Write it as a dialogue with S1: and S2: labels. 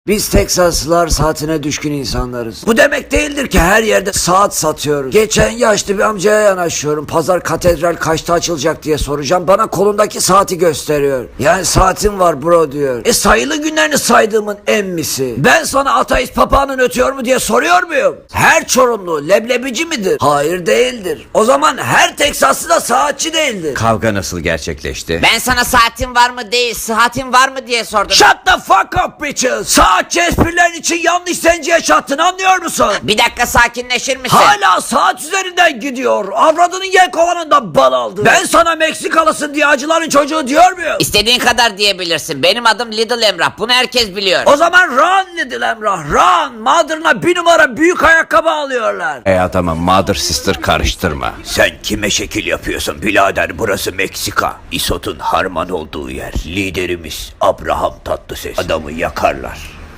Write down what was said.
S1: Biz Teksaslılar saatine düşkün insanlarız. Bu demek değildir ki her yerde saat satıyoruz. Geçen yaşlı bir amcaya yanaşıyorum. Pazar katedral kaçta açılacak diye soracağım. Bana kolundaki saati gösteriyor. Yani saatim var bro diyor. Sayılı günlerini saydığımın emmisi. Ben sana ateist papağanın ötüyor mu diye soruyor muyum? Her Çorumlu leblebici midir? Hayır değildir. O zaman her Teksaslı da saatçi değildir.
S2: Kavga nasıl gerçekleşti?
S3: Ben sana saatin var mı değil, sıhhatin var mı diye sordum.
S1: Shut the fuck up bitches. Saatçi esprilerin için yanlış zenciye çattın, anlıyor musun?
S3: Bir dakika sakinleşir misin?
S1: Hala saat üzerinden gidiyor. Avradının yelkovanından bal aldı. Ben sana Meksikalısın diye acıların çocuğu diyor muyum?
S3: İstediğin kadar diyebilirsin. Benim adım Little Emrah. Bunu herkes biliyor.
S1: O zaman run Little Emrah run. Mother'ına bir numara büyük ayakkabı alıyorlar.
S2: Tamam, mother sister karıştırma.
S4: Sen kime şekil yapıyorsun birader? Burası Meksika. İsot'un harman olduğu yer. Liderimiz Abraham Tatlıses. Adamı yakarlar.